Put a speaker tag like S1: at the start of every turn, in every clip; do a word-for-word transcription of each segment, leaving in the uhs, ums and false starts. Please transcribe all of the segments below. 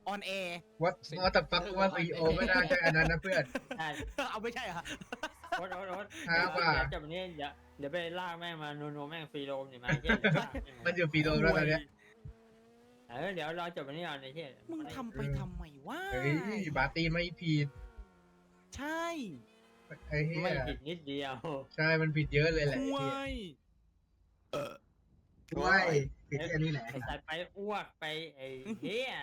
S1: ออนแอร์
S2: วัดวัดแต่ฟักว่าซีโอไม่น่าใช่อันนั้นนะเพื่อน
S3: ใช่
S1: เอาไม่ใช่เหรอ
S3: โอ๊ตโอ๊ตโอ๊ต
S2: ครับ
S3: เดี๋ยว
S2: ว่า
S3: เดี๋ยวจบนี้เดี๋ยวเดี๋ยวไปลากแม่งมานัวๆแม่งฟรีโรมเนี่ยมาไอ้เหี้ยเดี๋ยวลากแม่ง
S2: มั
S3: มาน
S2: อยู่ฟีโดแล้วตอนเนี้ย
S3: เออเดี๋ยวรอจบวันนี้ก่อนไอ้เหี้ย
S1: มึงทำไปทำไมวะ
S2: เฮ้ยบาร์ตี้ไม่ผิด
S1: ใช่
S2: ไอ้เหี้
S3: ไม่
S2: ย
S3: ผิดนิดเดียว
S2: ใช่มันผิดเยอะเลยแหละ
S1: ห่ว
S2: ไอ้
S1: ย
S2: เหี้ยว้ายผิดแค่นี้แหละ
S3: ไอ้สัตว์ไปอ้วกไปไอ้เหี้ย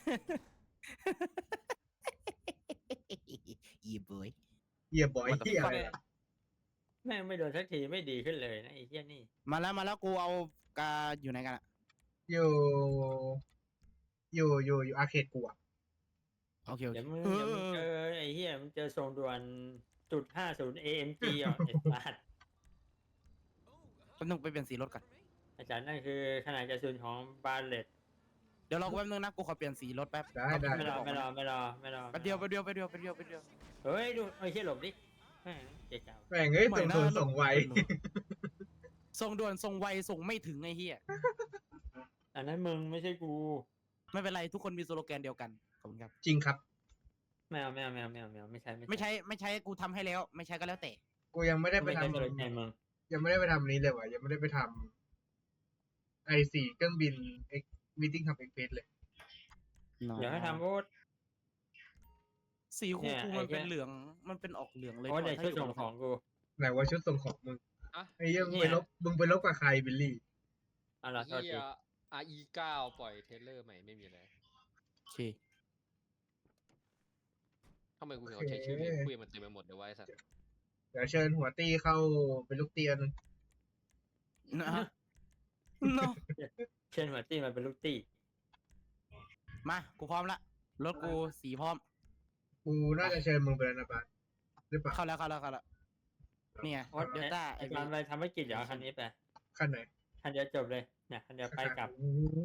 S1: อีบอย
S2: เหี้ยบ่อยเหี้ยอะไรล่ะ
S3: แม่งไม่โดนสักทีไม่ดีขึ้นเลยนะไอ้เหี้ยนี่
S1: มาแล้วมาแล้วกูเอากาอยู่ไหนกันอะ
S2: อยู่ อยู่อยู่อยู่อาร์เคดกูอะ
S1: โอเคโอเค
S3: เดี๋ยวมึงเดี๋ยวมึงเจอไอ้เหี้ยมึงเจอทรงด่วนจุดห้าศูนย์ เอ เอ็ม จี อ่ะไอ้สัตว์
S1: แป๊บนึงไปเปลี่ยนสีรถก่อน
S3: อาจารย์นั่นคือขนาดกระสุนของบาเลต
S1: เดี๋ยวรอกูแป๊บนึงนะกูขอเปลี่ยนสีรถแป๊บ
S2: ได้ได้
S3: ไม่รอไม่รอไม่รอไม่รอ
S1: แป๊บเดียวแป๊บเดียวแป๊บเดียวแป๊บเดียวแป๊บเดียว
S3: เฮ้ยดูไอ้เหี้ยหลบดิแม่งเจ๊เจ้า
S2: แม่งเอ้ย
S1: ไม่
S2: ส่ง
S1: น่า
S2: ส่งส่งไว
S1: ส่งด่วนส่งไวส่งไม่ถึงไอ้เหี้ย
S3: อันนั้นมึงไม่ใช่กู
S1: ไม่เป็นไรทุกคนมีสโลแกนเดียวกันขอบคุณครับ
S2: จริงครับ
S3: ไม่เอาไม่เอาไม่เอาไม่เอาไม่เอาไม่ใช่
S1: ไม่ใช่ไม่ใช่กูทำให้แล้ว ไม่ใช่ก็แล้วแต่
S2: กูยังไม่ได้ไป
S3: ไม่
S2: ท
S3: ใช่ตัวแทนมึง
S2: ำยังไม่ได้ไปทำนี้เลยว่ะยังไม่ได้ไปทำไอสี่เครื่องบินเอ็กมิทติ้งทำเอ็กเพสเลย
S3: เดี๋ยวให้ทำโอ๊ต
S1: สีคู
S3: เนี่ย
S1: คู
S3: ไอ้
S1: มันเป็น
S3: เหี้ย
S1: เหลือง มันเป็นออกเหลืองเลย
S3: โอ๊ต
S1: ก่
S3: ใน
S1: อน
S3: ชุด
S1: ถ้า
S3: ส่ง
S1: ยู่
S3: ของกู
S2: ไหนว่าชุดส่งของมึง
S4: อะ
S2: ไอ้เหี้ยมึง
S3: เนี่
S2: ไป
S3: ย
S2: ลบมึงไปลบกับใครบิลลี่
S3: เอ่ะรอโทษ
S4: เฮี
S3: ที
S4: ย อาร์ อี เก้า ปล่อยเทรลเลอร์ใหม่ไม่มีเลย
S1: โอเค
S4: ทำไมกูถึงเอาใช้ชื่อเล่นคุยมันเต็มไปหมดเลยวะไอ้สัตว์
S2: เดี๋ยวเชิญหัวตี้เข้าเป็นลูกเตียน
S1: นะฮะ เนอะ
S3: เช่นหัวตี้มันเป็นลูกตี้
S1: มากูพร้อมละรถกูสีพร้อม
S2: กูน่าจะเชิญมึงไปแล้วนะบาสหรือเปล่า
S1: เข้าแล้วเข้าแล้วเข้าแล้วเนี่ย
S3: โอ๊ต
S1: เดลต้าไอ
S3: ไอ้
S1: เว
S3: การไปทำให้กิจเดี๋ยวเอาคันนี้ไป
S2: ขั้นไหน
S3: คันเดียวจบเลยเนี่ยคันเดียวไปกลับ
S2: โอ้โห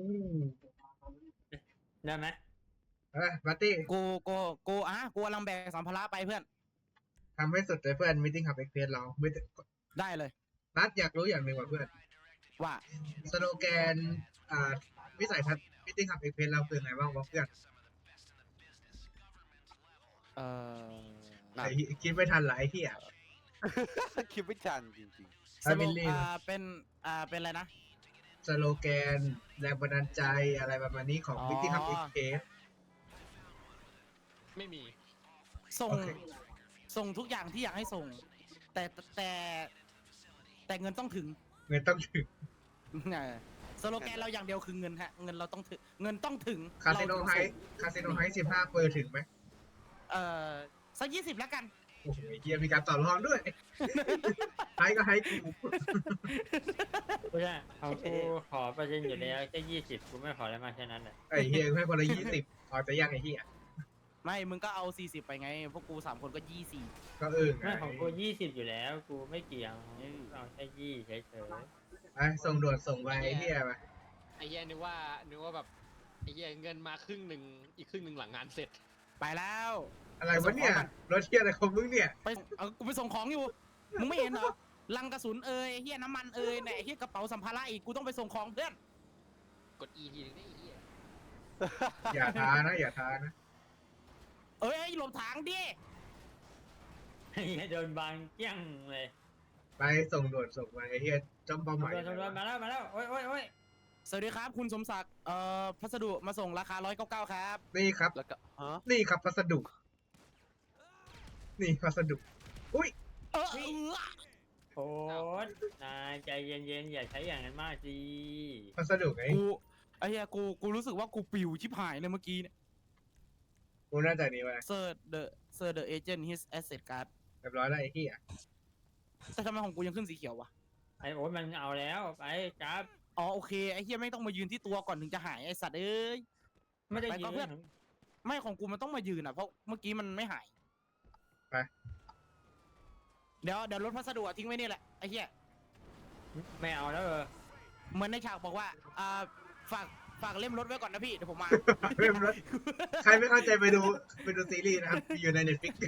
S3: ได้ไหม
S2: เอ้ยบาร์ตี้
S1: กูกูกูอ่ะกูกำลังแบกสัมภาระไปเพื่อน
S2: ทำให้สุดเลยเพื่อนมิทติ้งขับเอ็กเพสเราไม่ได้
S1: ได้เลย
S2: นัดอยากรู้อย่างหนึ่งว่ะเพื่อน
S1: ว่า
S2: สโลแกนอ่าวิสัยทัศน์มิทติ้งขับเอ็กเพสเราคือไงบ้างวะเพื่อน
S1: เอ่อ
S2: ไอ้เหี้ยคิดไม่ทันหลายที่อ่ะ
S5: คิดไม่ทันจริง
S1: ส
S2: อ่ะ
S1: โล
S2: บิลลี่
S1: อ่าเป็นอ่าเป็นอะไรนะ
S2: สโลแกนแรงบันดาลใจอะไรประมาณนี้ของ
S1: อ๋อ
S2: มิทติ้งขับเอ็กเพส
S4: ไม่มี
S1: ส่ง
S2: โอเค
S1: ส่งทุกอย่างที่อยากให้ส่ง แต่แต่แต่เงินต้องถึง
S2: เงินต้องถึง
S1: เออสโลแกนเราอย่างเดียวคือเงินฮะ เงินเราต้องถึง เงินต้องถึง
S2: คาสิโน
S1: เรถึง
S2: ไฮ
S1: ส่ง
S2: คาสิโนไฮสิบห้าเปอร์ถึงไหม
S1: เอ่อสักยี่สิบแล้วกัน
S2: โอ้โหเฮียมีการต่อรองด้วย ไฮก็ไฮกู
S3: ไม่ใช่ของกูขอเปอร์เซ็นต์อยู่แล้วแค่ยี่สิบกูไม่ขออะไรมากแค่นั้นแหละ
S2: ไอ้เฮียให้คนละยี่สิบพอจะยากไอ้เฮีย
S1: ไม่ มึงก็เอาสี่สิบไปไง พวกกูสามคนก็ยี่สิบ
S2: ก็เออไง
S3: ไม่ของกูยี่สิบอยู่แล้ว กูไม่เกี่ยงเอาแค่ยี่เฉย
S2: ไอ้ส่งด่วนส่งไวไอ้เฮียไป
S4: ไอ้เฮียนึกว่านึกว่าแบบไอ้เฮียเงินมาครึ่งหนึ่งอีกครึ่งหนึ่งหลังงานเสร็จ
S1: ไปแล้ว
S2: อะไรวะเนี่ยรถเฮียอะไรของมึงเนี่ย
S1: ไปเอากูไปส่งของอยู่ มึงไม่เห็นเหรอ ลังกระสุนเอ่ยเฮียน้ำมันเอ่ยไหนเฮียกระเป๋าสัมภาระอีก กูต้องไปส่งของเพื่อน
S4: กด E ทีนึงได้ไอ้เฮีย
S2: อย่าท้านะอย่าท้านะ
S1: เอ้ยหลบทางดิ
S3: ๆไอ้เหี้ยโดนบางเกี้ยงเลย
S2: ไปส่งด่วนส่งไวไอ้เฮียจ้องเป้าหมาย
S3: ตำรวจตำรวจมาแล้วมาแล้วโอ้ยโอ้ยโอ้ย
S1: สวัสดีครับ คุณสมศักดิ์ เอ่อ พัสดุมาส่งราคาร้อยเก้าเก้าครับ
S2: นี่ครับ
S5: ๆ แล้วก็ฮะ
S2: นี่ครับพัสดุ นี่พัสดุ อุ้ย
S1: เออเออ
S3: โอ๊ตนายใจเย็นๆอย่าใช้อย่างนั้นมากสิ
S2: พัสดุไง
S1: กูไอ้เหี้ยกู กูรู้สึกว่ากูปิวชิบหายเลยเมื่อกี้เนี่ย
S2: กูน่าจะนี่ไว้
S1: Sir the Sir the agent his asset card
S2: เรียบร้อยแล้วไอ้เฮีย
S1: แต่ทำไมของกูยังขึ้นสีเขียววะ
S3: ไอ้โอ๊ตมันเอาแล้วไปจับ
S1: อ๋อโอเค ไอ้เหี้ยไม่ต้องมายืนที่ตัวก่อนถึงจะหายไอ้สัตว์เอ้ย
S3: ไม่ได้
S1: ไป
S3: ยิ
S1: ก่อน
S3: ง
S1: เพื่อน ไม่ของกูมันต้องมายืนอ่ะ เพราะเมื่อกี้มันไม่หาย
S2: ไป
S1: เดี๋ยวเดี๋ยวรถพัสดุอะทิ้งไว้นี่แหละไอ้เหี้ย
S3: ไม่เอาแล้วเออ
S1: เหมือนในฉากบอกว่า อ่า ฝาก ฝากเล่มรถไว้ก่อนนะพี่ เดี๋ยวผมมา
S2: เริ่มรถใครไม่เข้าใจไปดูไปดูซีรีส์นะครับ อยู่ในเน็ตฟิก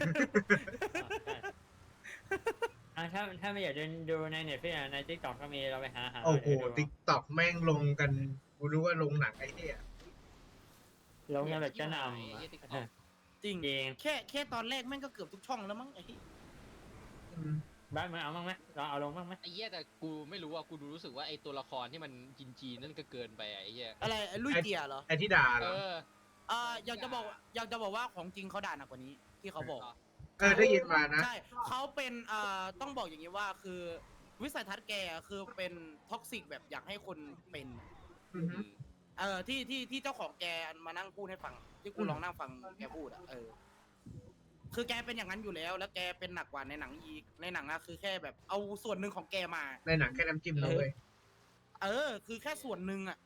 S3: อ่ะถ้าถ้าไม่อยากเดินดูในเน็ตฟิกในทิกตอกก็มีเราไปหาหา
S2: โอ้โห
S3: เดี๋ยวดู
S2: ติ๊กต็อกแม่งลงกัน กูรู้ว่าลงหนังไอ้เหี้ย
S3: ลงกันแบบจะนำ
S4: ไอ้
S3: อะ
S4: เหี้ย TikTok
S1: จริง
S3: จริง
S1: แค่แค่ตอนแรกแม่งก็เกือบทุกช่องแล้วมั้งไอ้เหี้ย
S2: อืม
S3: บ้านมึงเอาบ้างไหมเราเอาลงบ้างไหม
S4: ไอ้เหี้ยแต่กูไม่รู้ว่ากูดูรู้สึกว่าไอ้ตัวละครที่มันจีนๆนั่นก็เกินไปอะไอ้เหี้ย
S1: อะไรไอ้ลุยเกียร์เหรอ
S2: ไอที่ด่าเห
S4: เอ
S2: รอ
S4: อ
S1: อ่าอยากจะบอกอยากจะบอกว่าของจริงเขาด่าหนักกว่านี้ที่เขาบอก
S2: เออได้ยินมานะ
S1: ใช่เขาเป็นอ่าต้องบอกอย่างนี้ว่าคือวิสัยทัศน์แกคือเป็นท็อกซิกแบบอยากให้คนเป็น
S2: อือฮึ
S1: เออที่ที่ที่เจ้าของแกมานั่งพูดให้ฟัง ที่กู
S2: อืม
S1: ลองนั่งฟังแกพูดอ่ะเออ คือแกเป็นอย่างนั้นอยู่แล้ว แล้วแกเป็นหนักกว่าในหนังอีกในหนังอะคือแค่แบบเอาส่วนหนึ่งของแกมา
S2: ในหนังแค่น้ำจิ้มนะเว้ย
S1: เออ คือแค่ส่วนหนึ่งอะ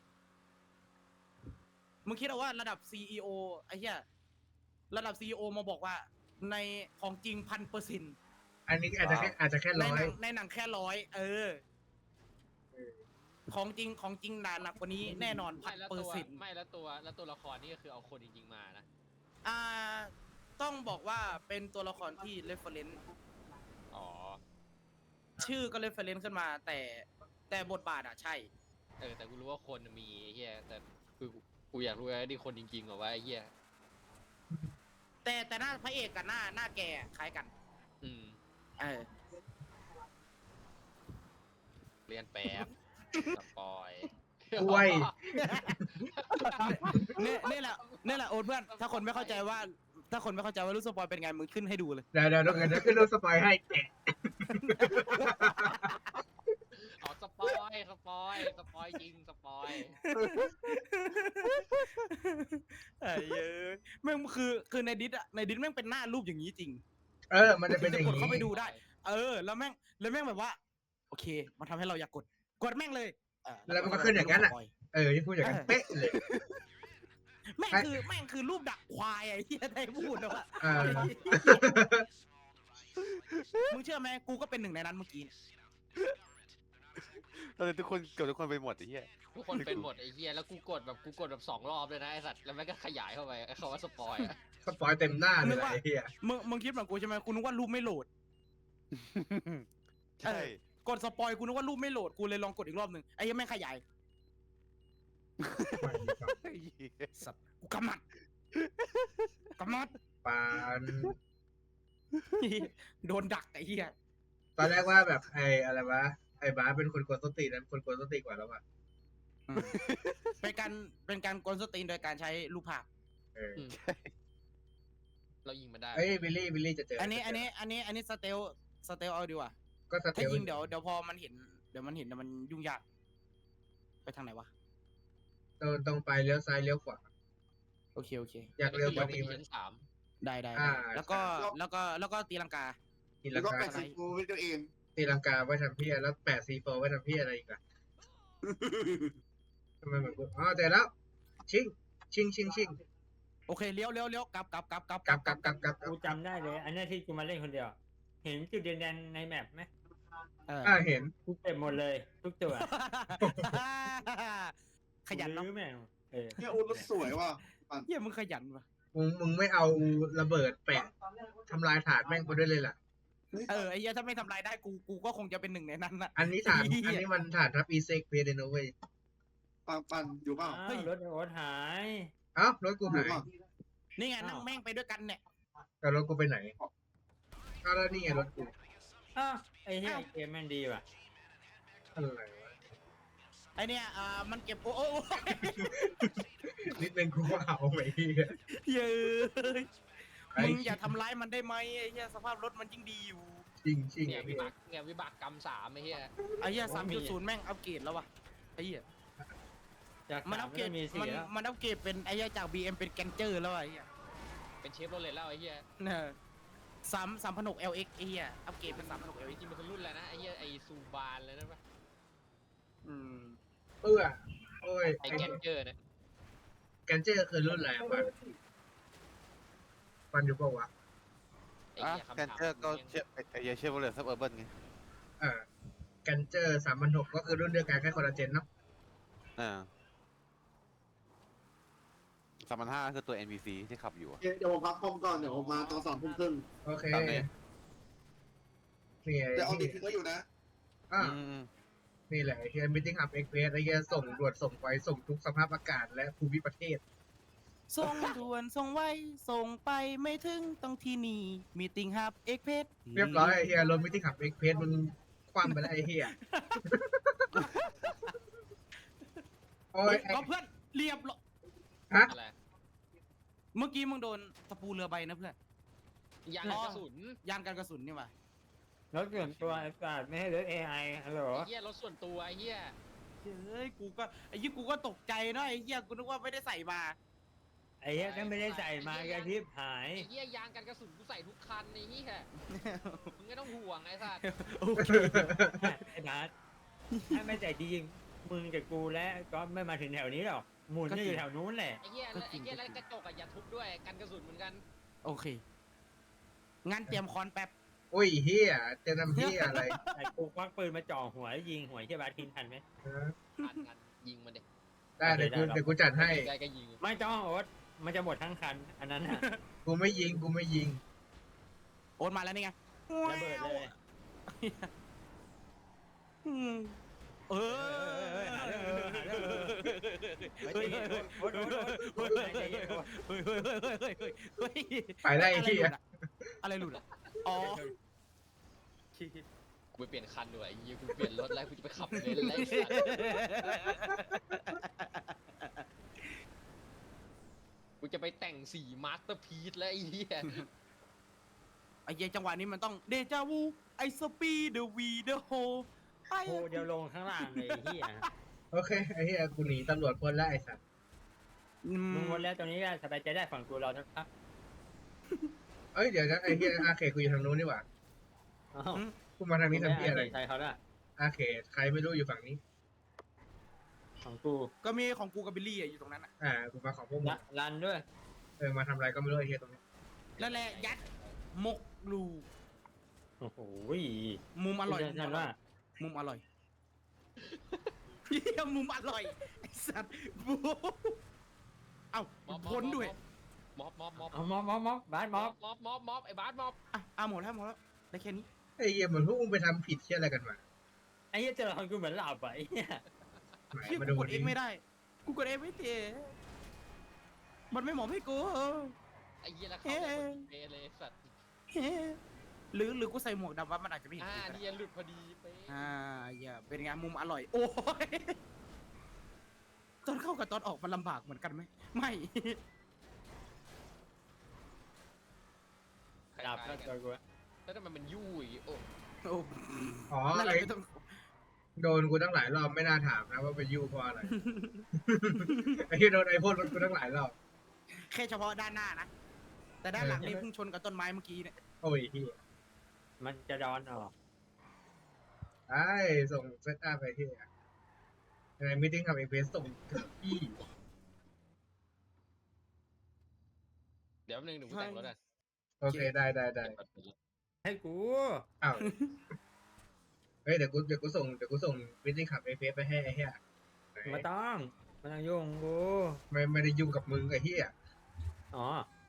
S1: มึงคิดเอาว่าระดับซี อี โอ ไอ้เหี้ยระดับซี อี โอ มาบอกว่า ในของจริงพันเปอร์เซ็นต์
S2: อันนี้อาจจะแค่อาจจะแค่
S1: ใน
S2: ร้อ
S1: หนั
S2: ย
S1: งในหนังแค่ร้อยเออ ของจริงของจริงด่าหนักกว่านี้แน่นอนพั
S4: ไม่
S1: น
S4: แล้ว
S1: เปอ
S4: ตัว
S1: ร์เซ็นต์
S4: ไม่แล้วตัวแล้วตัวละครนี่ก็คือเอาคนจริงๆมานะ
S1: อ่า ต้องบอกว่าเป็นตัวละครที่ reference
S4: อ๋อ
S1: ชื่อก็ reference ขึ้นมา แต่แต่บทบาทอะใช่
S4: เออแต่กูรู้ว่าคนมีไอ้เหี้ยแต่คือกูกูอยากรู้ว่านี่คนจริงๆเหรอวะไอ้เหี้ย
S1: แต่แต่หน้าพระเอกกับหน้าหน้าแกคล้ายกัน
S4: อืม
S1: เออ
S4: เรียนแป๊บสปอย
S2: กล้วย
S1: เนี่ยนี่แหละนี่แหละโอ๊ตเพื่อน ถ้าคนไม่เข้าใจว่า ถ้าคนไม่เข้าใจว่ารู้สปอยเป็นไงมึงขึ้นให้ดูเลย
S2: เดี๋ยวเดี๋ยวเดี๋ยวเดี๋ยวขึ้นรูปสปอยให้แกะ
S4: เอาสปอยสปอยสปอยจริงสปอย
S1: ไอ้เย้ยแม่งคือคือในดิสอะในดิสแม่งเป็นหน้ารูปอย่างนี้จริง
S2: เออ มันจะเป็นอย่าง
S1: กดเข้าไป
S2: นี้
S1: ดูได้ เออ แล้วแม่งแล้วแม่งแบบว่า โอเค มันทำให้เราอยากกด กดแม่งเลยเออ
S2: แล้วมันก็ขึ้นอย่างนั้นอะ
S1: สป
S2: เออที่พูดอย่างนั้นเป๊ะเลย
S1: แม่งคือแม่งคือรูปดักควายไอ้ที่ได้พูดนะว่า
S2: เออ
S1: มึงเชื่อไหมกูก็เป็นหนึ่งในนั้นเมื่อกี้เนี่ย
S5: ตอนนี้ทุกคนเกือบทุกคนไปหมดไอ้เหี้ย
S4: ทุกคนเป็นหมดไอ้เหี้ยแล้วกูกดแบบกูกดแบบสองรอบเลยนะไอ้สัตว์แล้วมันก็ขยายเข้าไปไอ้คำว่าสปอยอะ
S2: สปอยเต็มหน้าเลยไอ้เหี้ย
S1: มึงมึงคิดเหมือนกูใช่ไหมกูนึกว่ารูปไม่โหลด
S5: ใช่
S1: เออ กดสปอยกูนึกว่ารูปไม่โหลดกูเลยลองกดอีกรอบหนึ่งไอ้ยังไม่งขยาย
S5: ไอ้เหี้ย
S1: สัตว์กูกำมัดกำมัด
S2: ปาน
S1: โดนดักไอ้เหี้ย
S2: ตอนแรกว่าแบบไอ้อะไรวะ ไอ้บ้าสเป็นคนกวนสตินั้นคนกวนสติกว่าแล้วอ่ะ
S1: อืมเป็นการเป็นการกวนสตรีนโดยการใช้รูปภาพ
S2: เออ
S4: อืมเรายิงมันได้
S2: เอ้ยบิลลี่บิลลี่จะเจอ
S1: อั
S2: อั
S1: นนี้อันนี้อันนี้อันนี้สเตลสเตลเอาดีกว่า
S2: ก็สเต
S1: ถ้า
S2: ล
S1: ยิงเดี๋ยวเดี๋ยวพอมันเห็นเดี๋ยวมันเห็นเดี๋ยวมันยุ่งยาก ไปทางไหนวะ
S2: ตรงตรงไปเลี้ยวซ้ายเลี้ยวขวา
S1: โอเคโอเค
S2: อยากเร็วกว่านี้
S4: นี้
S2: ไหม
S4: ชั้นสาม
S1: ได้ได้
S2: อ่า
S1: ได้แล้วก็
S2: ครับ
S1: แล้วก็แล้วก็ตีลังกา
S2: ตี
S6: แล้
S2: ลั
S6: ว
S2: ง
S6: ก็
S2: กา
S6: แปดสิบกูเป็นตัวเอง
S2: ตีลังกาไว้ทำเพี้ยแล้วแปดซีโฟไว้ทำเพี้ยอะไรอีกอะทำไมเหมือนกูอ๋อเจอแล้ว ชิงชิงชิงชิง
S1: โอเคเลี้ยวเลี้ยวเลี้ยวกลับกลับกลับกลับ
S2: กลับกลับกลับกลับ
S3: กูจำได้เลย อันนี้ที่กูมาเล่นคนเดียว เห็นจุดแดงๆในแมปไหม
S1: เออ
S2: อ่าเห็น
S3: กูเก็บหมดเลย ทุกตัว
S1: ขยันเนาะ
S3: กูลื้อแม่งเออ
S6: เนี่ยโอ้รถสวยว่ะ
S1: เฮียมึงขยันว่ะ
S2: มึงมึงไม่เอาระเบิดแปะทำลายถาดแม่งไปด้วยเลยล่ะ
S1: เออไอ้เหี้ยถ้าไม่ทำลายได้กูกูก็คงจะเป็นหนึ่งในนั้นนะ
S2: อันนี้ถาด
S1: เหี้ย
S2: อันนี้มันถาดทับอีเซ็กเพเดโนเว้ย
S6: ปันปันอยู่เปล่า
S3: อ้า
S1: เฮ้ย
S3: วรถไอ้โอ๊ตหาย
S2: เอ้ารถกู
S6: อ
S2: หา
S6: ยู่
S2: ย
S6: เปล่า
S1: นี่ไงนั่งแม่งไปด้วยกันเนี่ย
S2: แต่รถกูไปไหนอ้าวแล้วนี่ไงรถกู
S3: อ้าวไอ้เนี่ย
S1: อ้าว
S3: เกมแม่งดีว่ะ
S2: อะไรวะ
S1: ไอเนี่ยอ่ามันเก็บโอ้โอ้
S2: นิดนึงกูก็เอาไปเหี้ย
S1: เย้ย
S2: ไอ้
S1: มึงอย่าทำร้ายมันได้ไหมไอ้เหี้ยสภาพรถมันยิ่งดีอยู่
S2: ชิงชิง
S4: เนี่ย
S2: ไอ้
S4: วิ
S2: เหี้ย
S4: บากเนี่ยวิบากกรรมสามไอ้เหี้ย
S1: ไอ้เหี้ยสามจุดศูนย์แม่งอัปเกรดแล้ววะไอ้เหี้ย
S3: จาก
S1: มัน
S3: สา
S1: อั
S3: ม
S1: ปเกร
S3: ก็
S1: ด
S3: มี
S1: มั
S3: สี่
S1: น
S3: แล้ว
S1: มันอัปเกรดเป็นไอ้เหี้ยจาก บี เอ็ม เป็นแกนเจอร์แล้วไอ้เหี้ย
S4: เป็นเชฟโรเลตแล้วไอ้เหี้ย
S1: เนี่ยสามสามพันหก แอล เอ็กซ์ ไอ้เหี้ยอัปเกรดเป็นสามพันหก แอล
S4: จ
S1: เอ็กซ์
S4: ริงๆมันคือรุ่นแล้วนะไอ้เหี้ยไอ้ซูบานเลยนะปะ
S1: อืม
S2: เอื้อโอ้ย
S4: ไอ้
S2: ไอ้
S4: แกนเจอร์เนี่ย
S2: แกนเจอร์คือรุ่นอะไรอะมันมันอยู่ปะวะ
S4: ไอ้
S5: อ่ะ
S4: เหี้ยคำ
S5: แกน
S4: ถาม
S5: เจอร์ก็เชฟไอ้ไอ้เหี้ยเชฟโรเลตซับเออร์เบิร์นไง
S2: เออแกนเจอร์สามพันหกก็คือรุ่นเดียวกันแค่คนละเจนเนาะ
S5: อ่าสามพันห้าคือตัว เอ็น พี ซี ที่ขับอยู่อะ
S6: เดี๋ยวผมพักคอมก่อน เดี๋ยวผมมาตอนสองทุ่มครึ่ง
S2: โอเค
S5: ตามนี้
S2: นี่ไง
S6: แต่เอาดิ
S2: นี่
S6: ทิ้งไว้อยู่นะ
S2: อ่า
S5: อืม
S2: นี่แหละไอ้เฮียมิทติ้งฮับเอ็กเพรสไอ้เฮียส่งด่วนส่งไวส่งทุกสภาพอากาศและภูมิประเทศ
S1: ส่งด่วนส่งไวส่งไปไม่ถึงต้องที่นี่มีติงฮับเอ็กเพส
S2: เรียบร้อยไอ้เฮียรถมิติขับเอ็กเพสมันคว่ำไปแล้วไอ้เฮียโอ้ยไอ้
S1: เอาเพื่อนเรียบร้อย
S2: ฮะ
S4: อะไร
S1: เมื่อกี้มึงโดนตะปูเรือใบนะเพื่อน
S4: ยางกระสุน
S1: ยานกันกระสุนนี่หว่าร
S3: ถส่วนตัวไอ้สัตว์ไม่ให้รถ เอ ไอ ฮัลโหล
S4: ไอ้เหี้ยรถส่วนตัวไอ้เหี้ย
S1: เฮ้ยกูก็ไอ้ยี่กูก็ตกใจเนาะไอ้เหี้ยกูนึกว่าไม่ได้ใส่มา
S3: ไอ้เหี้ยก็ไม่ได้ใส่มากระพริบหาย
S4: ไอ้เหี้ยยางกันกระสุนกูใส่ทุกคันไอ้เหี้ยมึงไม่ต้องห่วงไอ้สัตว์
S1: โอเค
S3: ไอ้นัทถ้าไม่ใจดีจริงมึงกับกูและก็ไม่มาถึงแถวนี้หรอกหมุนจะอยู่แถวนู้นแหละ
S4: ไอ้เหี้ยแล้วไอ้เหี้ยแล้วกระจกอะอย่าทุบด้วยกันกระสุนเหมือนกัน
S1: โอเคงั้นเตรียมคอนแป๊บ
S2: โอ้ยเฮียจะนำเฮียอะไร
S3: ไอ้กูควักปืนมาจ่อหัวแล้วยิงหัวไอ้เหี้ยบาสทินทันไหม
S2: ฮะ
S4: ทันกันยิงมันเด็ก
S2: ได้เดี๋ยวกูเดี๋ยวกูจัดให้
S4: ใกล้ก็ยิง
S3: ไม่ต้องโอ๊ตมันจะหมดทั้งคัน อันนั้นน่ะ
S2: กูไม่ยิงกูไม่ยิง
S1: โอนมาแล้วนี่ไง
S3: ระเบิดเลย
S1: อืมเออ
S3: หาเรื่องเออหาเรื่องเออเฮ้ยโอ๊ตโอ๊ตโอ๊ตใจเย็นโอ๊ต
S1: เฮ้ยเฮ้ยเฮ้ยเฮ้ยเฮ้ยเฮ้ย
S2: ไปได้ไอ้เฮีย
S1: อะไรหลุดอะอ๋อ
S4: กูไปเปลี่ยนคันด้วยไอ้เหี้ยกูเปลี่ยนรถแล้วกูจะไปขับเลนแล้วไอ้สัตว์กูจะไปแต่งสีมาสเตอร์พีซแล้วไอ้เหี้ย
S1: ไอ้เหี้ยจังหวะนี้มันต้องเดจาวูไอสปีเดวีเดโฮไอ
S3: โคเดียวลงข้างล่างเลยไอ้เหี้ย
S2: โอเคไอ้เฮียกูหนีตำรวจพ้นแล้วไอ้สัตว์
S3: มึงวนแล้วตรงนี้ก็สบายใจได้ฝั่งกูเรานะครับ
S2: เอ้ยเดี๋ยวนะไอ้เฮียอาเขตกูอยู่ทางนู้นนี่หว่า
S3: อ้าว
S2: กูมาทางนี้ทำเฮียอะไร
S3: ใช่เขาละ
S2: อาเขตใครไม่รู้อยู่ฝั่งนี้
S3: ของกู
S1: ก็มีของกูกับบิลลี่อะอยู่ตรงนั้นอะ
S2: อ่ากูมาของพวกมึ
S3: ละ
S2: ง
S3: รันด้วย
S2: เออมาทำอะไรก็ไม่รู้ไอ้เฮียตรงนี้
S1: แล้วแหละยัดหมกลู
S3: โอ้โห
S1: มุมอร่อย
S3: ฉันว่า
S1: มุมอร่อยเหี้ยมุมอร่อยไอสัตว์บูเอ้าพ้นด้วย
S4: ม็อบม็อบม็อบ
S3: เอาม็อบม็อบม็อบบาสม็อบ
S4: ม็อบม็อบม็อบไอ้บาสม็อบ
S1: อ่ะอ่ะหมดแล้วหมดแล้วได้แค่นี้
S2: ไอ้เฮียเหมือนพวกมึงไปทำผิดเฮียอะไรกันมา
S3: ไอ้เหี้ยเจอคนกูเหมือนหลับอ่ะไอ้เหี้ย
S2: ไหน
S1: เชี่ย
S2: มา
S1: กู
S2: ดู
S1: กดเอ
S2: ดิ
S1: งไม่ได้ กูกดเองไม่เตะมันไม่เหมาะให้กู
S4: ไอ้เหี้ยแล้วเขา
S1: เอ๊ะ
S4: เปเลยสัตว์
S1: เฮ้หรือหรือกูใส่หมวกดำว่ามันอาจจะไม่เห็น
S4: อ่า
S1: กูก็ได้
S4: เนี่ยหลุดพอดีเป๊ะ
S1: อ่าอย่าเป็นไงมุมอร่อย โอ้ยตอนเข้ากับตอนออกมันลำบากเหมือนกันไหมไม่
S4: คล้าย
S3: หลับ
S4: ๆ
S3: แล้ว
S4: กัน
S3: เจอกูอะ
S4: แล้วทำไมมันยุ่ยโอ้
S1: โอ้
S2: อ๋อ
S1: นั่นแหละ
S2: ไอ้
S1: ไม่ต้อง
S2: โดนกูตั้งหลายรอบไม่น่าถามนะว่าไปยู่เพราะอะไร ไอ้เฮียโดนไอ้พ่นรถกูตั้งหลายรอบ
S1: แค่เฉพาะด้านหน้านะ แต่ด้านหลังนี่เพิ่งชนกับต้นไม้เมื่อกี้เนี่ย
S2: โอ้ยเฮีย
S3: มันจะร้อนออก
S2: ไอ้ส่งเซตอัพไปที่ในมิ팅กับเอฟเอสส่งถึงที่
S4: เดี๋ยวแป๊บนึงเดี๋ยวกูแต่งรถอ่ะ
S2: โอเคได้ได้ได้
S4: เก็บรถ
S3: ให้กู
S2: อ้าวเฮ้ยเดี๋ยวกูเดี๋ยวกูส่งเดี๋ยวกูส่งมิ팅กับเอฟเอสไปให้ไอ้เฮียไหน
S3: ไมาต้องไมาต้องยุ่งกู
S2: ไม่ไม่ได้ยุ่งกับมึงไอ้เฮีย
S3: อ๋อ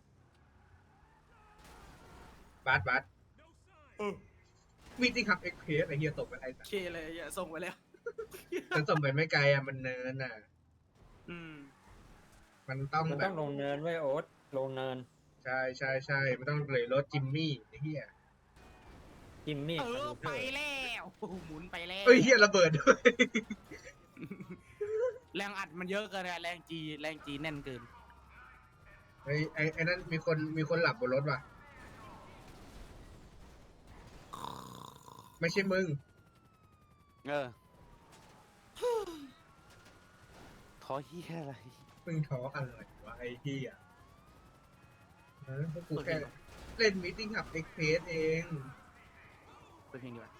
S2: บาสบาสมิ팅กับเอฟเอสไอ้เฮียส่งไปไอ้สั
S1: โอ
S2: ส
S1: เคเลยอย่าส่งไปแล้ว
S2: มันส่งไปไม่ไกลอ่ะมันเนินอ่ะ
S1: อืม
S2: มันต้อง
S3: มัน
S2: แบ
S3: ต้อบ งลงเนินไว้ยโอ๊ตลงเนิน
S2: ใช่ใช่ใช่มันต้องเลยรถจิมมี่ไอ้เฮีย
S3: กิมมี่
S1: เออไปแล้วโอ้โหหมุนไปแล้ว
S2: เอ้ยเฮียระเบิดด้วย
S1: แรงอัดมันเยอะเกินอะแรงจีแรงจีแน่นเกิน
S2: ไอ้ไอ้ไอ้นั่นมีคนมีคนหลับบนรถว่ะไม่ใช่มึง
S5: เออท้อเฮียอะไร
S2: มึงท้ออะไรวะไอ้เฮียเออพวกกูแค่เล่นมิ팅กับเอ็กเพสเอง
S1: เปิดเพลงดีกว่า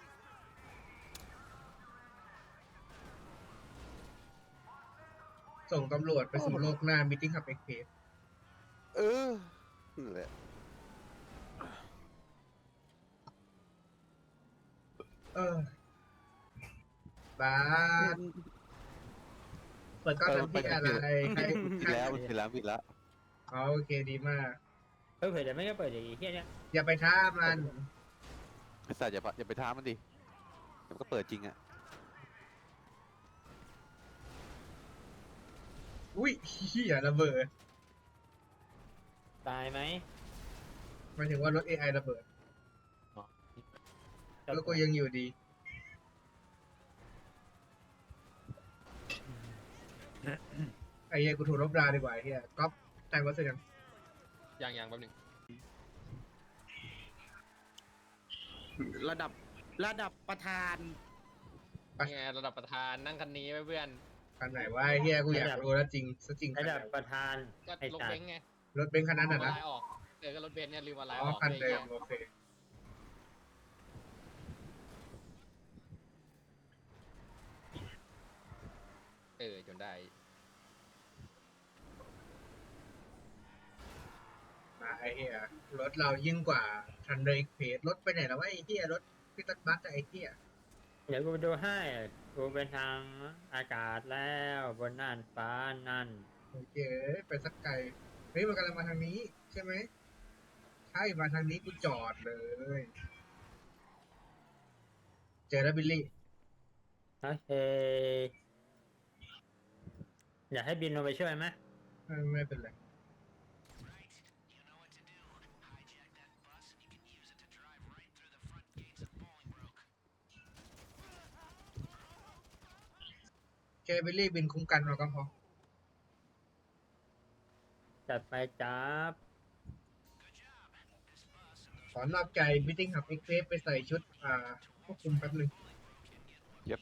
S2: ส่งตำรวจไปสู่โลกหน้ามิ팅กับเอ็กเพส
S5: เออนั่นแหละ
S2: เออ บาสเปิดกล้องทำที่อะไรใคร
S5: ผิดแล้วมันผิดแล้วผิดแล้ว
S2: อ๋อโอเคดีมาก
S3: เออเผื่อเดี๋ยวไม่ได้เปิดอย่างไอ้เหี้ยเนี่ย
S2: อย่าไปท้ามัน
S5: ไอ้สัตว์อย่าพะอย่าไปท้ามันดิเดี๋ยวมันก็เปิดจริงอ่ะ
S2: อุ้ยเฮียระเบิด
S3: ตายไหม
S2: หมายถึงว่ารถ เอ ไอ ระเบิดแล้วกูยังอยู่ดีไอ้เหี้ยกูถูกลบราดีกว่าไอ้เหี้ยก๊อฟแต่งรถเสร็จยัง
S4: อย่างอย่างแป๊บนึง
S1: ระดับระดับประธาน
S4: นี่ไงระดับประธานนั่งคันนี้ไว้เพื่อน
S2: คันไหนวะไอ้เหี้ยกูอยากรู้แล้วจริงซะจริงคั
S3: ระ
S2: นไหน
S3: ดับประธาน
S4: ก็
S3: ไอ้
S4: รถ
S3: สัต
S4: เบ
S3: ว์
S4: นซ์ไง
S2: รถเบนซ์คันนั้น
S4: ลื
S2: น่ะ
S4: ม
S2: นะ
S4: อะไรออกเออก็รถเบนซ์เนี่ยลืมอะไร
S2: อ๋
S4: อ
S2: อ
S4: อก
S2: คัน
S4: เลย
S2: เดิ
S4: ไอ้
S2: ม
S4: เหี้ย
S2: โอเค
S4: เออจนได้
S2: มาไอ้เหี้ยรถเรายิ่งกว่าทันเดอร์อีกเพจรถไปไหนแล้ววะไอ้เหี้ยรถพิตัดบัสอะไอ้เหี้ย
S3: เดี๋ยวกูไปดูให้กูเป็นทางอากาศแล้วบนน่านฟ้านั่น
S2: โอเคไปสักไกลเฮ้ยมันกำลังมาทางนี้ใช่ไหมใช่มาทางนี้กูจอดเลย เจอแล้วบิลลี่
S3: โอเค อยากให้บินลงไปช่วยไหม
S2: ไม่ไม่เป็นไรแค่บิลลี่บินคุ้มกันเราก็พอ
S3: จัดไปจับ
S2: ขอนอกใจบิทติ้งหับเอ็กเซฟไปใส่ชุด อ่าควบคุมแป๊บหนึง
S5: Yep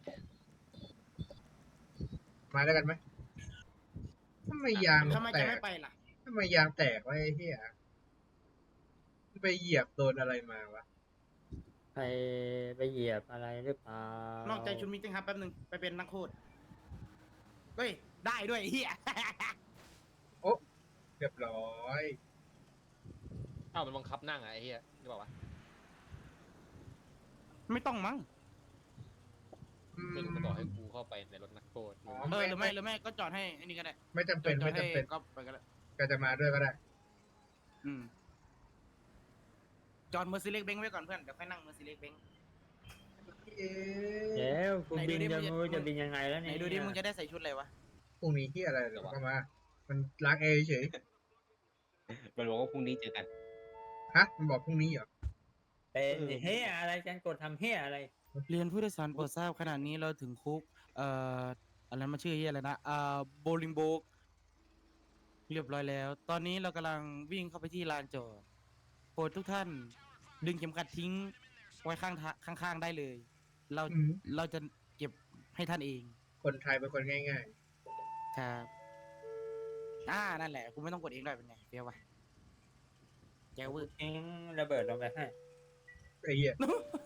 S2: มาแล้วกันไหมทำไมยาง
S1: ทำไม
S2: แต
S1: จะ
S2: ก
S1: ไม่ไปล่ะ
S2: ทำไมยางแตกวะไอ้เหี้ยไปเหยียบโดนอะไรมาวะ
S3: ไปไปเหยียบอะไรหรือเปล่าน
S1: อกใจชุดมิติ้งครับแป๊บนึงไปเป็นนักโทษเฮ้ยได้ด้วยไอ้เฮีย
S2: โอ้เรียบร้อย
S4: อ้าวมันบังคับนั่งอะไอ้เหี้ยนี่บอกว่า
S1: ไม่ต้องมั้ง
S2: อืม
S4: ไม่รู้มันบอกให้กูเข้าไปในรถนักโทษ
S2: อ๋อ
S1: เออหรือไม่หรือไม่ก็จอดให้ไอ้นี่ก็ได้
S2: ไม่จำเป็น
S1: จอ
S2: ไม่
S1: ดให้
S2: จำเป็น
S1: ก็ไปก็ได้
S2: ก็จะมาด้วยก็ได้
S1: อืมจอดเมอร์ซีเล็กเบงไว้ก่อนเพื่อนเดี๋ยวค่อยนั่งเมอร์ซีเล็กเบง
S2: เอ๊ะ
S3: เดี๋ยวกู
S1: ไหนดู
S3: บิน
S1: ดิ
S3: จะ
S1: มึง
S3: มู
S1: จะ
S3: จะบินยังไงแล้ว
S1: ไหน
S3: เนี่ย
S1: ดูดิมึงจะได้ใส่ชุดอะไรวะ
S2: พรุ่งนี้ที่อะไรเดี๋ยวก็มา มันล้างแอร์เฉย
S7: มันบอกว่าพรุ่งนี้เจอกัน
S2: ฮะ มันบอกพรุ่งนี้เหรอ
S3: เป็นเฮียอะไรจันกดทำเฮียอะไร
S1: เรียนผู้โดยสารโปรดทราบขณะนี้เราถึงคุก เอ่ออะไรมาชื่อเฮียอะไรนะอ่าโบลิงโบกเรียบร้อยแล้ว ตอนนี้เรากำลังวิ่งเข้าไปที่ลานจอดโปรดทุกท่าน ดึงเข็มขัดทิ้ง ไว้ข้างทางข้างๆได้เลย เรา
S2: อืม
S1: เราจะเก็บให้ท่านเอง
S2: คนไทยเป็นคนง่าย
S1: ครับอ่านั่นแหละคุณไม่ต้องกดเองด้วยเป็นไงเฟี้ยววะแจ๋วเวอร์
S3: ทิ้งระเบิดลงไปให้
S2: ๆไอ้เหี้ย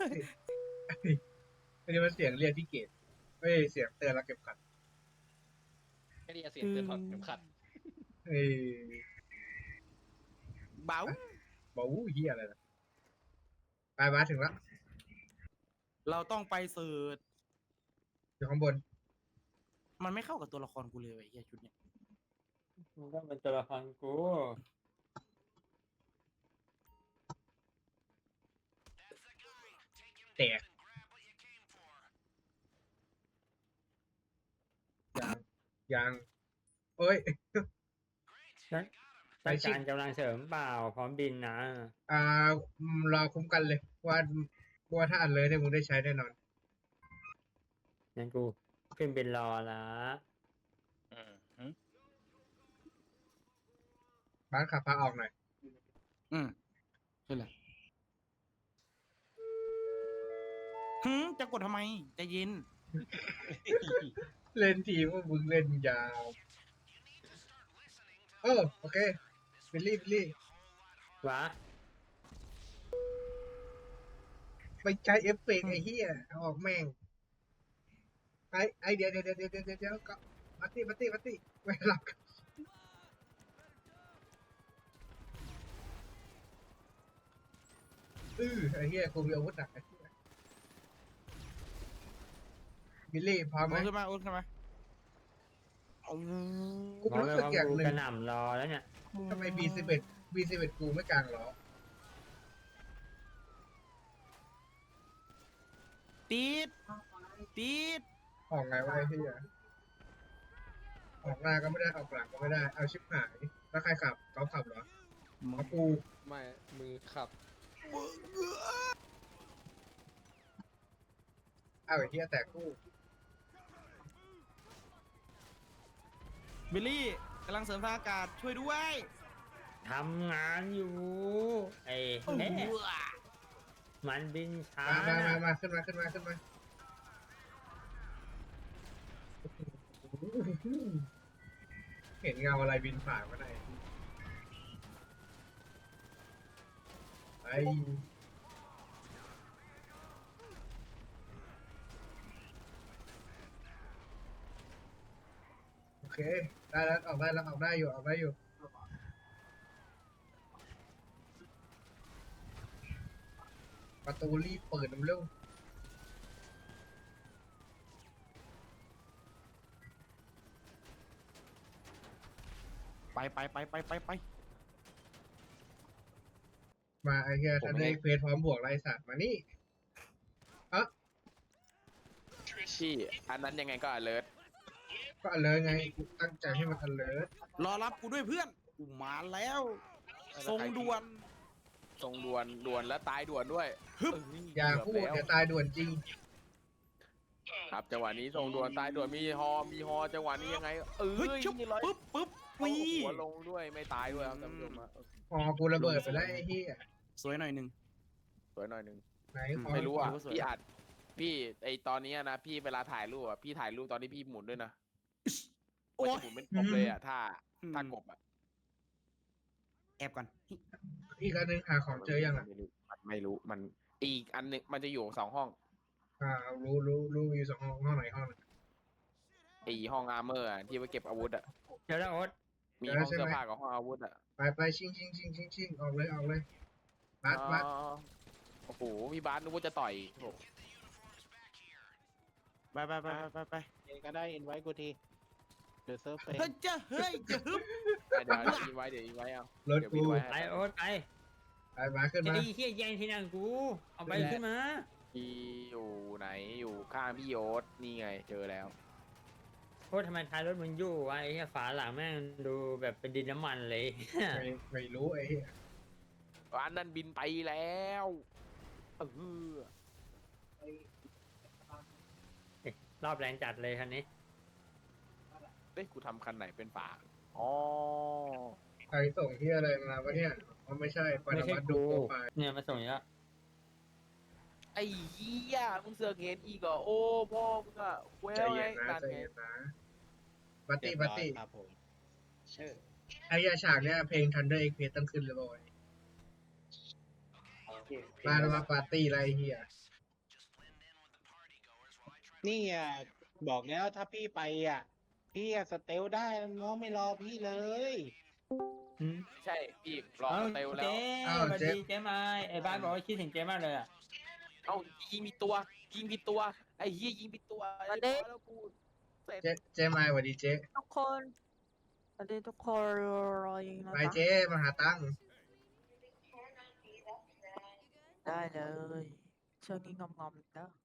S2: อันนี้มันเสียงเรียกพี่เกดเฮ้ย เสียงเตือนเราเก็บขัด
S4: แค่นี้เสียงเตือนถอดเข็มขัด
S2: เฮ้ย
S1: เบา
S2: บอกอู้เหี้ยอะไรนะไปมาถึงแล้ว
S1: เราต้องไปเสิร์ช
S2: อยู่ข้างบน
S1: มันไม่เข้ากับตัวละครกูเลยไอ้เหี้ยชุดเนี้ย
S3: มันก็เป็นตัวละครกู
S2: แตกยังยังโอ้ย ไป
S3: ต้อง
S2: ชิ
S3: การกำลังเสริมเปล่าพร้อมบินนะ
S2: อ่ารอคุ้มกันเลย ว่าว่าถ้าอันเลยเนี่ยมึงได้ใช้แน่นอน
S3: งั้นกูขึ้นบินรอละ
S7: อืมหืม
S2: บ้านขับพาออกหน่อย
S1: อืมใช่แหละหืมจะกดทำไมใจเย็น
S2: เล่นทีมว่ามึงเล่นยาวโอ้โอเคบิลลี่บิลลี่
S3: วะ
S2: ไปใช้เอฟเฟกต์ไอ้เหี้ยเอาออกแม่งไอไอเดี๋ยวเดี๋ยวเดี๋ยวเดี๋ยวเดี๋ยวเดี๋ยวก็มาตี้มาตี้มาตี้ไม่หลับอือไอ้เหี้ยกูมีอาวุธหนักไอ้เหี้ยบิลลี่พร้อมไหม
S1: โอ้ขึ้นมาโอ้ขึ้นมาเอา
S2: กู
S3: บอก
S2: รู้
S3: เลย
S2: สึก
S3: ว่า
S2: อย่าง
S3: กู
S2: หนึ่
S3: กระ
S2: ง
S3: หน่ำรอแล้วเนี่ย
S2: ทำไม บี สิบเอ็ด บี สิบเอ็ด กูไม่กลางล้อ
S1: ติดติด
S2: ออกไงวะไอ้เหี้ยออกหน้าก็ไม่ได้ออกหลังก็ไม่ได้ เอาชิบหาย แล้วใครขับเขาขับเหรอของกู
S8: ไม่มือขับ
S2: อ้าวไอ้เหี้ยแต่กู
S1: บิลลี่กำลังเสริมทางอากาศช่วยด้วย
S3: ทำงานอยู่ ไอ้แน่มันบินช้า
S2: มามามา
S3: นะ
S2: มาขึ้นมาขึ้นมาขึ้นมาเห็นเงาอะไรบินผ่านมาไหนไอโอเคได้แล้วออกได้แล้วออกได้อยู่ออกได้อยู่ประตูรีบเปิดเร็ว
S1: ไปไปไปไปไปไป
S2: มาไอ้เหี้ยทันได้เควสพร้อมบวกไรสัตว์มานี่
S8: พี่อันนั้นยังไงก็ alert
S2: ก็อันเลยไงกูตั้งใจให้มันอันเลย
S1: รอรับกูด้วยเพื่อนกูมาแล้วทรงด่วน
S8: ทรงด่วนด่วนและตายด่วนด้วย
S1: ฮึบ
S8: เอ้ย
S2: อย่าพูด
S8: เกือบ
S2: เดี๋
S8: แล้
S2: ยว วตายด่วนจริง
S8: ครับจังหวะนี้ทรงด่วนตายด่วนมีฮอมีฮอจังหวะนี้ยังไงเอ้
S1: เฮ้ย
S8: ย
S1: ชุบ
S8: นี่ร้อย
S1: ปึ๊บปึ๊บ
S8: โอ้
S1: วี
S8: โหหัวลงด้วยไม่ตายด้วยครับท่านผู้ชมฮะ
S2: อ๋อกูระเบิดไปแล้วไอ้เหี้ย
S1: สวยหน่อยหนึ่ง
S8: สวยหน่อยหนึง
S2: ไหนขอ
S8: ไม่รู้อ่ะ
S1: รู้สึก
S8: พี่อัดพี่ไอตอนนี้นะพี่เวลาถ่ายรูปอ่ะพี่ถ่ายรูปตอนที่พี่หมุนด้วยนะ
S1: โอ้
S8: ไม่
S1: ย
S8: ใช่หมุนเป็นกบเลยอ่ะถ้าถ้ากบอ่ะ
S1: แอบก่อน
S2: อีกอันหนึงหาของเจอยังอ่ะ
S8: ไม่รู้มันไม่รู้มันอีกอันหนึงมันจะอยู่สองห้อง
S2: อ่ารู้รู้รู้อยู่สองห้องห้องไหนห้องไหน
S8: ไอห้องอาร์เมอร์ที่ไว้เก็บอาวุธอ่ะ
S3: เดี๋ยวนะโอ๊ต
S8: มี
S2: เดี๋ยว
S8: ห้อง
S2: ใช่ไหม
S8: เสื้อผ้ากับห้องอาวุธอ่ะ
S2: ไปไปชิงชิงชิงชิงชิงออกเลยออกเลยบัสบัส
S8: อ๋อโอ้โหพี่บาสนึกว่าจะต่อยโอ้โห
S1: ไปไปไปไปไป
S7: ก็ได้อินไว้กูทีเดี๋ยวเซิร์ฟไป
S1: เฮ้ยจะเฮ้ยจะฮึบ
S8: เดี๋ยวเดี๋ยวอินไว้เดี๋ยวอินไว้เอา
S2: รถ
S8: เดี๋ยว
S2: กู
S8: อินไว้
S3: ไป
S8: ให้
S3: โอ๊ตไป
S2: ไปมาขึ้น
S3: จะ
S2: มา
S3: ได้เฮียแย่งที่นั่งกู เอาไปขึ้นมา
S8: พี่อยู่ไหนอยู่ข้างพี่โยศนี่ไงเจอแล้ว
S3: โอ๊ตทำไมท้ายรถมึงยู่วะไอ้เหี้ยฝาหลังแม่งดูแบบเป็นดินน้ำมันเลย
S2: ไม่ไม่รู้ไอ้เหี้ย
S8: อันนั้นบินไปแล้วเออ
S3: รอบแรงจัดเลยคันนี้
S8: เฮ้ยกูทำคันไหนเป็นฝาอ๋อ
S2: ใครส่งที่อะไรมาวะเนี่ยอ๋อไม่ใช่ป
S3: ไม่
S2: น
S3: ใช่
S2: วัตดู
S3: กู
S2: โปรไฟล์
S3: เนี่ยมาส่งอีกแล้ว
S8: ไอ้เหี้ยมึงเสือกเห็นอีกเหรอโอ้พ่อมึงอะเว้ย
S2: ใจ
S8: ไง
S2: เย็นนะ
S8: นั่น
S2: ใจ
S8: ไง
S2: เย็นนะบัตตี้บัตตี้
S7: ครับผมเออ
S2: ไอ้เหี้ยฉากเนี้ยเพลง Thunder Express ต้องขึ้นเลยบ่อยมาแล้วมาปาร์ตี้อะไรไอ้เหี้ย
S7: นี่อ่ะบอกแล้วถ้าพี่ไปอ่ะ พี่อะสเตลได้น้องไม่รอพี่เลย
S3: หืม
S8: ใช่พี่รอ
S3: เอ้า
S8: สเตลแล้ว
S3: เจ๊สวัสดีเจ๊ไม้ไอ้บ้านบอกว่าคิดถึงเจ๊มากเลยอ่ะ
S8: เอ้ายิงผิดตัวยิงผิดตัวไอ้เหี้ยยิงผิดตัว
S9: สวัสดี
S8: เรียบร้อยแล้วกูเสร็จ
S2: เจ๊เจ๊มาสวัสดีเจ๊
S9: ทุกคนสวัสดีทุกคนรอยิงนะ
S2: ไป
S9: จ๊ะ
S2: เจ๊มาหาตังค์
S9: ได้เลยช่วงนี้งอมๆเด้อ